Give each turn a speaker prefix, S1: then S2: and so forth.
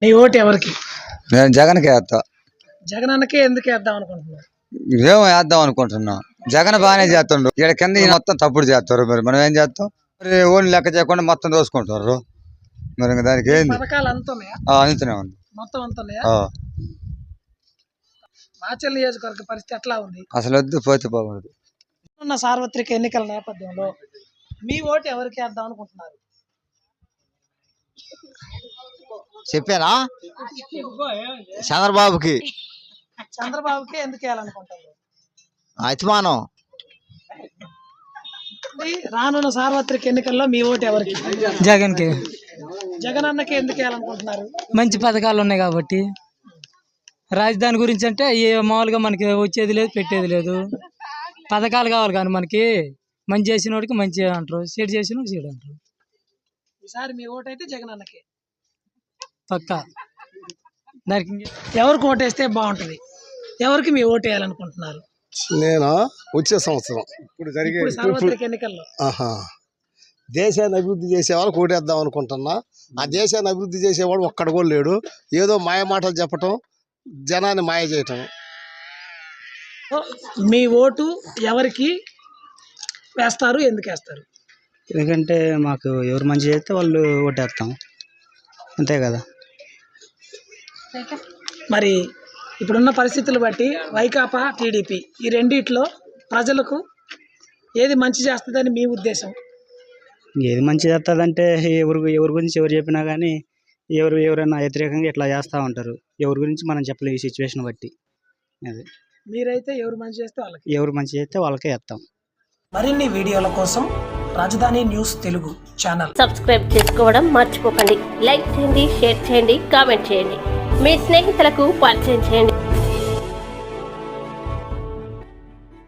S1: నీ ఓటు ఎవరికి?
S2: నేను జగన్కి వేస్తా.
S1: జగన్ అన్నకే ఎందుకు వేద్దాం అనుకుంటున్నావు?
S2: ఏమో వేద్దాం అనుకుంటున్నా. జగన్ బాగానే చేస్తుండ్రు. ఇక్కడ కింద ఈయన మొత్తం తప్పుడు చేస్తారు. మరి మనం ఏం చేస్తాం? మరి ఓన్ లెక్క చేయకుండా మొత్తం దోసుకుంటారు. మరి ఇంకా దానికి ఏంది?
S1: పథకాలు అంతున్నాయా?
S2: అంతనే ఉంది
S1: మొత్తం అంతున్నాయా? మాచల్ నియోజకవర్గ పరిస్థితి ఎట్లా ఉంది?
S2: అసలు వద్దు, పోతే పోకూడదు.
S1: ఉన్న సార్వత్రిక ఎన్నికల నేపథ్యంలో మీ ఓటు ఎవరికి వేద్దాం అనుకుంటున్నారు?
S3: చెప్పారా? చంద్రబాబుకి.
S1: చంద్రబాబుకి ఎందుకు వేయాలనుకుంటారు?
S3: అతిమానం.
S1: రానున్న సార్వత్రిక ఎన్నికల్లో మీ ఓటు ఎవరికి?
S4: జగన్కి.
S1: జగన్ అన్నకి ఎందుకు వేయాలనుకుంటున్నారు?
S4: మంచి పథకాలు ఉన్నాయి కాబట్టి. రాజధాని గురించి అంటే మామూలుగా మనకి వచ్చేది లేదు, పెట్టేది లేదు. పథకాలు కావాలి కానీ మనకి మంచి చేసిన వాడికి మంచి అంటారు, సీడ్ చేసిన వాడికి సీడ్ అంటారు.
S1: ఈసారి మీ ఓటు అయితే జగన్ అన్నకి
S4: పక్కా. దానికి
S1: ఎవరికి ఓటేస్తే బాగుంటుంది? ఎవరికి మీ ఓటు వేయాలనుకుంటున్నారు?
S5: నేను వచ్చే సంవత్సరం
S1: ఇప్పుడు సార్వత్రిక ఎన్నికల్లో
S5: దేశాన్ని అభివృద్ధి చేసే వాళ్ళకి ఓటేద్దాం అనుకుంటున్నా. ఆ దేశాన్ని అభివృద్ధి చేసేవాడు ఒక్కడ కూడా లేడు. ఏదో మాయ మాటలు చెప్పటం, జనాన్ని మాయ చేయటం.
S1: మీ ఓటు ఎవరికి వేస్తారు, ఎందుకు వేస్తారు?
S6: ఎందుకంటే మాకు ఎవరు మంచి చేస్తే వాళ్ళు ఓటేస్తాం, అంతే కదా.
S1: మరి ఇప్పుడున్న పరిస్థితులు బట్టి వైకాపా, టీడీపీ ఈ రెండిట్లో ప్రజలకు ఏది మంచి చేస్తుందని మీ ఉద్దేశం?
S6: ఏది మంచి చేస్తుందంటే ఎవరి గురించి ఎవరు చెప్పినా కానీ ఎవరైనా వ్యతిరేకంగా ఇట్లా చేస్తూ ఉంటారు. ఎవరి గురించి మనం చెప్పలేము ఈ సిచ్యువేషన్ బట్టి. అది
S1: మీరైతే ఎవరు మంచి చేస్తే వాళ్ళకి,
S6: ఎవరు మంచి చేస్తే వాళ్ళకే వేస్తాం.
S1: మరిన్ని వీడియోల కోసం రాజధాని న్యూస్ తెలుగు ఛానల్
S7: సబ్స్క్రైబ్ చేసుకోవడం మర్చిపోకండి. లైక్ చేయండి, షేర్ చేయండి, కామెంట్ చేయండి. మీ స్నేహితులకు పరిచయం చేయండి.